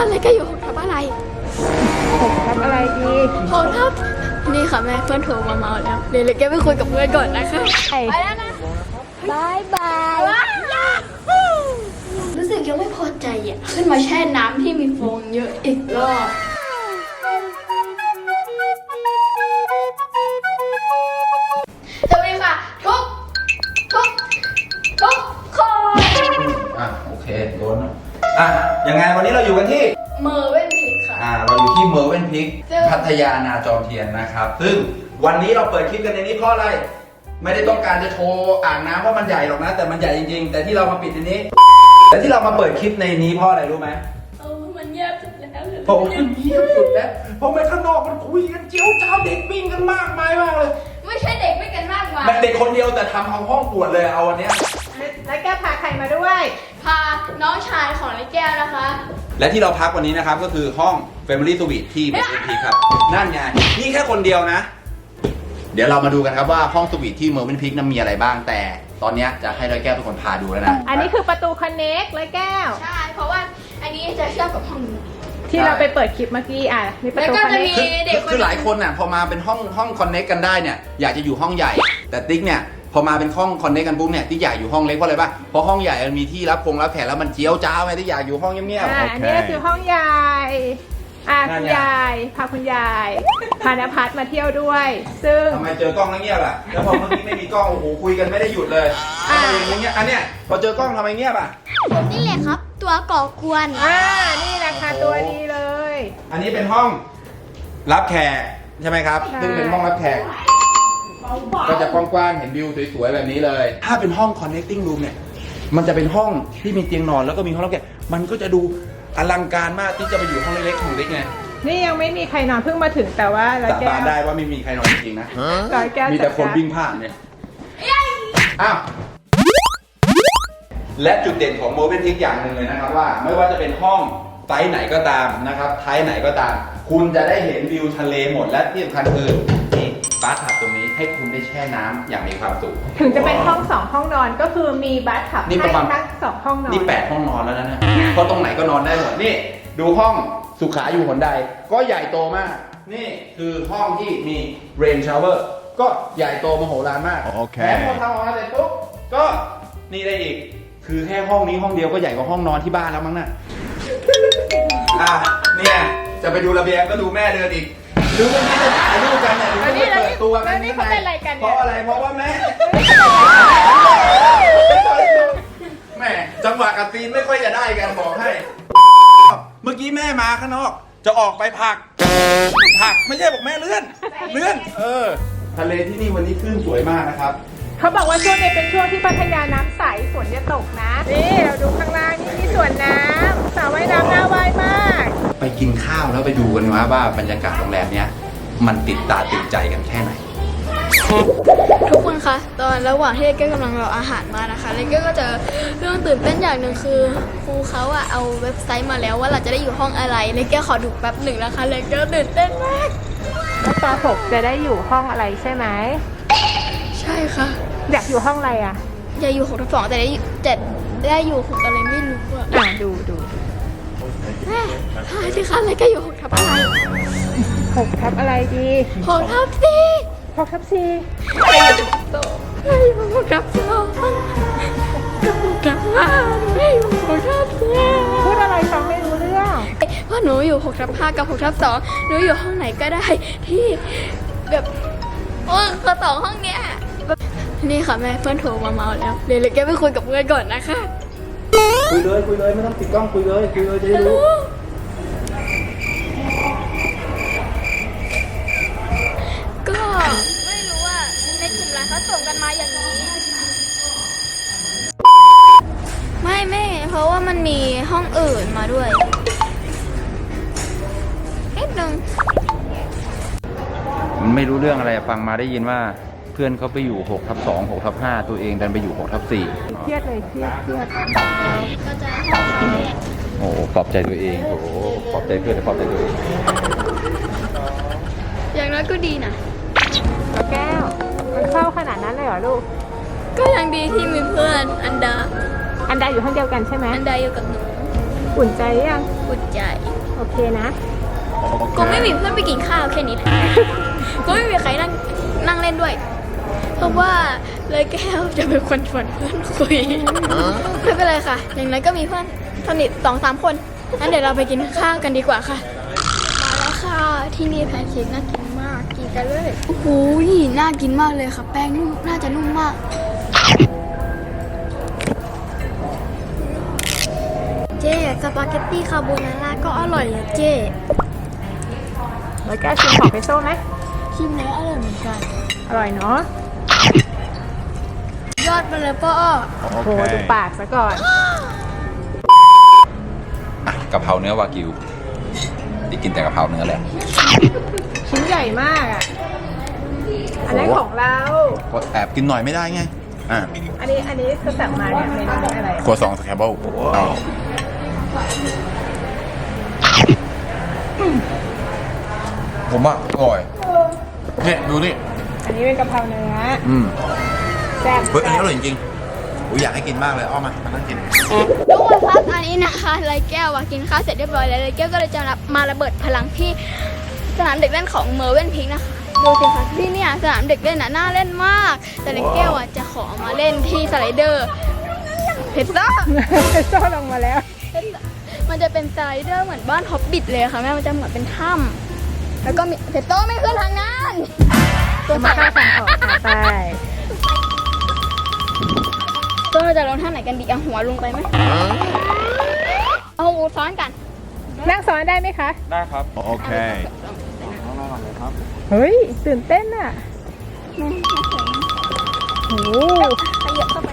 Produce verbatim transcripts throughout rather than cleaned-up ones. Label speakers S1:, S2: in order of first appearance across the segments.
S1: คะแล้วก็อยู่หกทับอะไร
S2: หกทับอะไรดี
S1: หกทับนี่ค่ะแม่เพื่อนโทรมาเมาแล้วเดี๋ยวเลยแกไปคุยกับเพื่อนก่อนนะคะไปแล้วนะบายบายรู้สึกยังไม่พอใจอ่ะขึ้นมาแช่น้ำที่มีฟองเยอะอีกรอบสวัสดีค่ะทุกทุกทุกคน
S3: อ่ะโอเคโดนอ่ะยังไงวันนี้เราอยู่กันที่
S1: เมอร์เว่นพิกค่ะ
S3: อ่าเราอยู่ที่เมอร์เว่นพิกพัทยานาจอมเทียนนะครับซึ่งวันนี้เราเปิดคลิปกันในนี้เพราะอะไรไม่ได้ต้องการจะโชว์อ่างน้ำว่ามันใหญ่หรอกนะแต่มันใหญ่จริงๆแต่ที่เรามาปิดในนี้แต่ที่เรามาเปิดคลิปในนี้เพราะอะไรรู้ไหม
S1: เออมันเงียบสุดแล้ว
S3: เพราะมันเงียบสุดแล้วเพราะไม่ข้างนอกมันคุยกันเจียวจ้าวเด็กวิ่งกันมากมายมากเลย
S1: ไม่ใช่เด็กไม่กันมากมาย
S3: เด็กคนเดียวแต่ทำเอาห้องปวดเลยเอาวันนี้
S2: แล้วแกพาใครมาด้วย
S1: พาน้องชายของนายแก้วนะคะ
S3: และที่เราพักวันนี้นะครับก็คือห้อง Family Suite ที่เมอร์เว่นพิกครับนั่นไงนี่แค่คนเดียวนะเดี๋ยวเรามาดูกันครับว่าห้องสวีทที่เมอร์เว่นพิกนั้นมีอะไรบ้างแต่ตอนนี้จะให้ร้อยแก้วเป็นคนพาดูแล้วนะ
S2: อันนี้คือประตูคอนเน็กร้อยแก้ว
S1: ใช่เพราะว่าอันนี้จะเชื่อมกับห้องนี้
S2: ที่เราไปเปิดคลิปเมื่อกี้อ่ะมีประตูคอนเน็ก
S3: คือหลายคนน่ะพอมาเป็นห้องห้องคอนเน็กกันได้เนี่ยอยากจะอยู่ห้องใหญ่แต่ติ๊กเนี่ยพอมาเป็นห้องคอนเน็กกันปุ๊บเนี่ยติ๊กอยากอยู่ห้องเล็กเพราะอะไรป่ะเพราะห้องใหญ่มันมีที่รับคงรับแขกแล้วมันเจียวจ้าวไงติ๊กอยากอยู่ห้องเงียบ
S2: ๆอันนี้คือห้องใหญ่อ่ะคุณยายพาคุณยายพานภัสมาเที่ยวด้วยซึ่ง
S3: ทำไมเจอกล้องแล้วเงียบอ่ะแล้วพอเมื่อกี้ไม่มีกล้องโอ้โหคุยกันไม่ได้หยุดเลยทำไมอย่างเงี้ยอันเนี้ยพอเจอกล้องทำไมเงียบอ่ะ
S1: ผมนี่แหละครับตัวก่อกวน
S2: อ่านี่แหละค่ะตัวดีเลย
S3: อันนี้เป็นห้องรับแขกใช่ไหมครับซึ่งเป็นห้องรับแขกก็จะกว้างๆเห็นวิวสวยๆแบบนี้เลยถ้าเป็นห้อง connecting room เนี่ยมันจะเป็นห้องที่มีเตียงนอนแล้วก็มีห้องรับแขกมันก็จะดูอลังการมากที่จะไปอยู่ห้องเล็กๆของเล็กไง
S2: นี่ยังไม่มีใครนอนเพิ่งมาถึงแต่ว่า
S3: สาบานได้ว่าไม่มีใครนอนจริงๆนะมีแต่คนวิ่งผ่านเนี่ยอ้าวและจุดเด่นของโมเมนต์ทิกอย่างหนึ่งเลยนะครับว่าไม่ว่าจะเป็นห้องไซส์ไหนก็ตามนะครับไทป์ไหนก็ตามคุณจะได้เห็นวิวทะเลหมดและที่สำคัญคือนี่บาร์ทับตรงนี้ให้คุณได้แช่น้ำอย่างมีความสุข
S2: ถึงจะเป็นห้องสองห้องนอนก็คือมีบาร์ทับให้ทั้งสองห้องนอน
S3: นี่แปดห้องนอนแล้วนะเพราะตรงไหนก็นอนได้หมดนี่ดูห้องสุขาอยู่หนใดก็ใหญ่โตมากนี่คือห้องที่มีเรนชาวเวอร์ก็ใหญ่โตมโหฬารมากแถมพอทำออกมาเสร็จปุ๊บก็นี่ได้อีกคือแค่ห้องนี้ห้องเดียวก็ใหญ่กว่าห้องนอนที่บ้านแล้วมั้งน่ะอ่ะเนี่ยจะไปดูระเบียงก็ดูแม่เดินอีกดูเมื่อกี้จะถ่ายรูปกันเนี่ยดูจะเปิดตัวกันนี่เพราะอะไรเพราะว่าแม่แม่จังหวะกับซีนไม่ค่อยจะได้กันบอกให้เมื่อกี้แม่มาข้างนอกจะออกไปผักผักไม่ใช่บอกแม่เลื่อนเลื่อนเออทะเลที่นี่วันนี้คลื่นสวยมากนะครับ
S2: เขาบอกว่าช่วงนี้เป็นช่วงที่พัทยาน้ำใสฝนจะตกนะนี่เราดูข้างล่างนี่มีสวนน้ำสระว่ายน้ำน่าว่ายมาก
S3: ไปกินข้าวแล้วไปดูกันว่าว่าบรรยากาศโรงแรมเนี้ยมันติดตาติดใจกันแค่ไหน
S1: ทุกคนคะตอนระหว่างที่เลเก้กำลังรออาหารมานะคะเลเก้ก็เจอเรื่องตื่นเต้นอย่างหนึ่งคือครูเขาอะเอาเว็บไซต์มาแล้วว่าเราจะได้อยู่ห้องอะไรเลเก้ขอดูแป๊บหนึ่งนะคะเลเก้ตื่นเต้นมาก
S2: แล้วปหกจะได้อยู่ห้องอะไรใช่ไหม
S1: ใช่ค่ะ
S2: อยากอยู่ห้องอะไรอ่ะ
S1: อยากอยู่หกทับสองแต่ได้แต่ได้อยู่หกอะไรไม่รู้อ่ะ
S2: อ่ะดูดู
S1: แม่ใช่ที่คันเลยก็อยู่หกทับอะไร
S2: หกทับอะไรดี
S1: หกทับสี่
S2: หกทับสี่
S1: ไม่อยู่โตไม่อยู่หกทับสองกับหกทับห้าไม่อยู่หกทับสี่
S2: พูดอะไรฟังไม่รู้เรื่อง
S1: เพราะหนูอยู่หกทับห้ากับหกทับสองหนูอยู่ห้องไหนก็ได้ที่แบบโอ้คือสองห้องเนี้ยนี่ค่ะแม่เพื่อนโทรมาเมาแล้วเดี๋ยวเลยแกไปคุยกับเพื่อนก่อนนะคะ
S3: คุยเลยคุยเลยไม่ต้องปิดกล้องคุยเลยคุยเลยจะได้รู้
S1: ก็ไม่รู้ว่าในกลุ่มไลน์เขาส่งกันมาอย่างนี้ไม่ไม่เพราะว่ามันมีห้องอื่นมาด้วยนิดนึง
S3: มันไม่รู้เรื่องอะไรฟังมาได้ยินว่าเพื่อนเขาไปอยู่หกทับสอง หกทับห้าตัวเองดันไปอยู่หกทับสี่
S2: เครียดเลยเครียดเครียด
S1: ก็จะห้องเขาเนี่ย
S3: โอ้ปลอบใจตัวเองโอ้ปลอบใจเพื่อนปลอบใจตัวเอง
S1: อย่างน้อยก็ดีนะ
S2: แก้วมันเข้าขนาดนั้นเลยเหรอลูก
S1: ก็ยังดีที่มีเพื่อนอันดา
S2: อันดาอยู่ห้องเดียวกันใช่ไหม
S1: อันดาอยู่กับหนู
S2: อุ่นใจยัง
S1: อุ่นใจ
S2: โอเคนะ
S1: ก็ไม่มีเพื่อนไปกินข้าวแค่นี้แหละ ก็ไม่มีใครนั่งนั่งเล่นด้วย เพราะว่าเลยแก้วจะเป็นคนชวนเพื่อนคุย ไม่เป็นไรค่ะ อย่างนั้นก็มีเพื่อนสนิทสองสามคนงั้นเดี๋ยวเราไปกินข้าวกันดีกว่าค่ะ มาแล้วค่ะ ที่นี่แพนเค้กน่ากินมาก กินกันเลย โอ้โหน่ากินมากเลยค่ะ แป้งนุ่มน่าจะนุ่มมาก เจ๊สปาเกตตี้คาโบนาร่าก็อร่อยอะเจ๊
S2: แล้วแกชิมของเพโซ่ไหม
S1: ชิมแล้วอร่อยเหมือนกัน
S2: อร่อยเนาะ
S1: ยอดไปเลยป้อ
S2: โอ้โหดูปากซะก่อน
S3: อ่ะกะเพราเนื้อวากิวที่กินแต่กะเพราเนื้อแหละ
S2: ชิ้นใหญ่มากอ่ะ อันนั้นของเรา
S3: ก็แอบกินหน่อยไม่ได้ไง อ่ะ
S2: อันนี้อันนี้จะสั่งมาเนี่ยเมนูอะไร
S3: ครัวซองสแครบเบิลเอาผมว่าอร่อยเนี่ยดูนี่
S2: อันนี้เป็นกะเพราเนื้อ
S3: อืม
S2: แซ่บ
S3: เฮ้ยอันนี้อร่อยจริงๆผมอยากให้กินมากเลยอ้อมามานั่งกิน
S1: ทุกคนครับอันนี้นะคะไรแก้วอะกินข้าวเสร็จเรียบร้อยแล้วไรแก้วก็เลยจะมาระเบิดพลังที่สนามเด็กเล่นของเมอร์เวนพิงค์นะคะดูสิคะที่เนี่ยสนามเด็กเล่นน่ะน่าเล่นมาก แต่ไรแก้วอะจะขอมาเล่นที่สไลเดอร์เพชรซ่า
S2: เพโซ่ลงมาแล้ว
S1: มันจะเป็นสไลเดอร์เหมือนบ้านฮอบบิทเลยค่ะแม่มันจะเหมือนเป็นถ้ำแล้วก็มีเพชรซ่าไม่ขึ้นทางนั้นตัว
S2: มา
S1: สั่น
S2: ข้าวสั่งของค่ะไป
S1: ตัวเราจะลงท่าไหนกันดีเอาหัวลงไปไหมเอาหูซ้อนกัน
S2: นั่งซ้อนได้ไหมคะ
S3: ได้ครับ โอเค
S2: เฮ้ย ตื่นเต้นอ่ะโอ้โห
S1: ขยับเข้าไป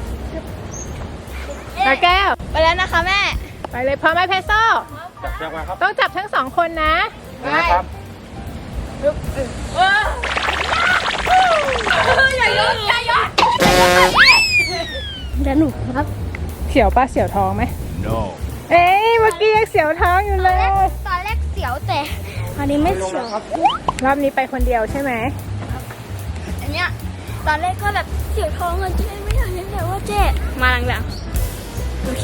S2: แล้วแก้ว
S1: ไปแล้วนะคะแม่
S2: ไปเลยพร้อมไหมเพโซ่
S3: จับมาครับ
S2: ต้องจับทั้งสองคนนะ
S3: นะครับ
S1: อย่ายกอย่ายกแล้วหนูครับ
S2: เสียวป้าเสียวท้องไหม
S3: no
S2: เอ้ยเมื่อกี้ยังเสียวท้องอยู่เลย
S1: ตอนแรกเสียวแต่อันนี้ไม่เสียว
S2: รอบนี้ไปคนเดียวใช่ไหม
S1: อันเนี้ยตอนแรกก็แบบเสียวท้องอะเจ๊ไม่อยากเล่นแต่ว่าเจ๊มาหลังๆโอเค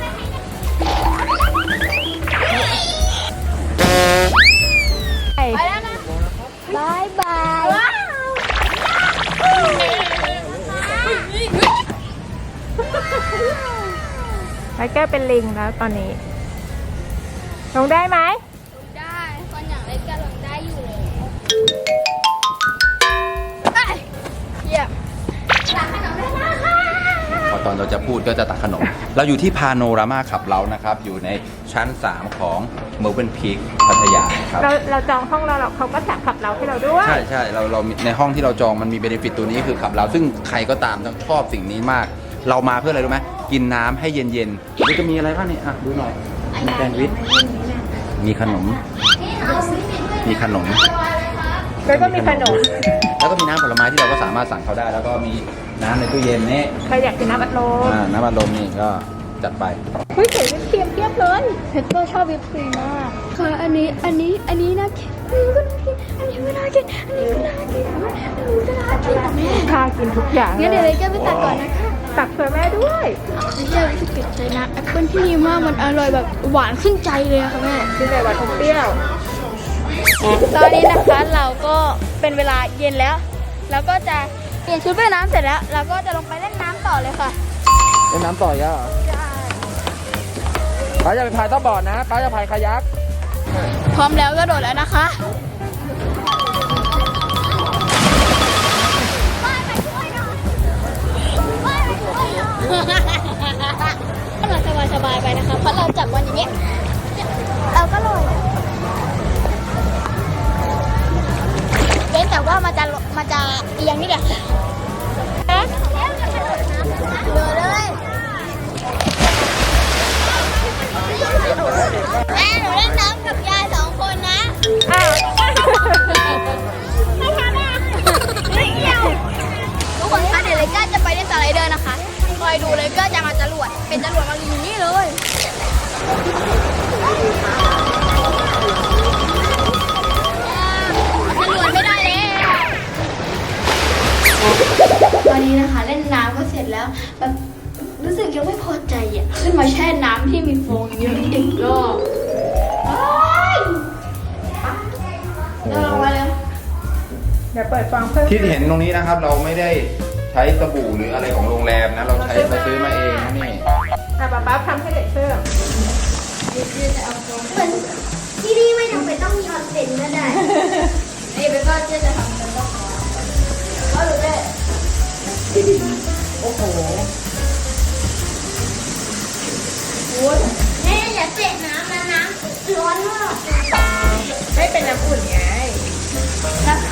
S1: ไปแล้วนะบายบายว้าว
S2: แล้วแก้วเป็นลิงแล้วตอนนี้ ลงได้ไหม
S1: ได้ตอนอย่างเล็กก็ลงได้อยู่เลยเอ้ยเยี่ยมตักขนมได้นะคะ
S3: พอตอนเราจะพูดก็จะตักขนม เราอยู่ที่พาโนรามาขับเรานะครับ อยู่ในชั้น สาม ของเมอร์เวนพีคพัทยาครับ
S2: เราเราจองห้องเราเราเขาก็สั่งขับเราให้เราด้วย
S3: ใช่ใช่เราเราในห้องที่เราจองมันมีเบนฟิตตัวนี้คือขับเรา ซึ่งใครก็ตามต้องชอบสิ่งนี้มาก เรามาเพื่ออะไรรู้ไหมกินน้ำให้เย็นๆมันจะมีอะไรบ้างเนี่ยอ่ะดูหน่อยมีแซนด์วิชมีขนม มีขนม
S2: แล้วก็มีขนม
S3: แล้วก็มีน้ำผลไม้ที่เราก็สามารถสั่งเขาได้ แล้วก็มีน้ำในตู้เย็นนี่
S2: ใครอยากกินน้ำอัดลม
S3: อ่าน้ำอัดลมนี่ก็จัดไป
S2: เฮ้ยใส่วิปครีมเพียบเลย
S1: เพชรก็ชอบวิปครีมมากค่ะอันนี้อันนี้อันนี้น่ากินอันนี้ก็น่ากินอันนี้ก็น่ากินอันนี้ก็น่ากินอันนี้ก็น่ากินแต่แม่
S2: พากินทุกอย่าง
S1: งั้นเดี๋ยวเลยแกไปตัดก่อนนะคะ
S2: ตักเผื่อแม่ด้วย
S1: ไม่ใช่ที่ติดใจนะแอปเปิ้ลที่นี่มากมันอร่อยแบบหวานขึ้นใจเลยอะค่ะแม่
S2: กินแต่หวานอมเปรี้ยว
S1: ตอนนี้นะคะเราก็เป็นเวลาเย็นแล้ว แล้วก็จะเปลี่ยนชุดว่ายน้ำเสร็จแล้ว เราก็จะลงไปเล่นน้ำต่อเลยค่ะ
S3: เล่นน้ำต่อยอ่ะป้าจะไปพายต้อบอร์ดนะป้าจะพายคายัก
S1: พร้อมแล้วก็โดดแล้วนะคะเราสบายสบายๆไปนะคะ เพราะเราจับวันอย่างเงี้ยเราก็ลอยเว้นแต่ว่ามันจะมันจะเอียงนี่แหละเดินเลยแม่หนูเล่นน้ำกับยายสองคนนะ
S2: อ้าว
S1: ไม่ทำอ่ะไม่เกี่ยวทุกคนคะเดี๋ยวเลยก้าจะไปเล่นสไลเดอร์นะคะคอยดูเลยก้าจะมาจรวดเป็นจรวดมาอยู่นี่เลยจรวดไม่ได้เลยตอนนี้นะคะเล่นน้ำก็เสร็จแล้วแบบรู้สึกยังไม่พอใจอ่ะขึ้นมาแช่น้ำที่มีโฟองเยอะอีกรอบ
S2: เปิดฟองเพิ่ม
S3: ที่เห็นตรงนี้นะครับ เราไม่ได้ใช้สบู่หรืออะไรของโรงแรมนะ เราใช้เราซื้อมาเองนะนี่
S2: อ่ะป๊าป๊าทำให้เด็กเพิ่ม
S1: เดี๋ยวจะเอาตรง
S4: เหมือนที่นี่ไม่จำเป็นต้องมีออนเซ็นก็ได้
S1: นี่เป็นก็เจ๊จะทำเป็นก็ขอก็รู้ได้
S2: โอ้โห
S4: แม่อย่าเตะน้ำนะน้ำร้อนมาก
S2: ไม่เป็นน้ำอุ่นไง
S4: แล้ว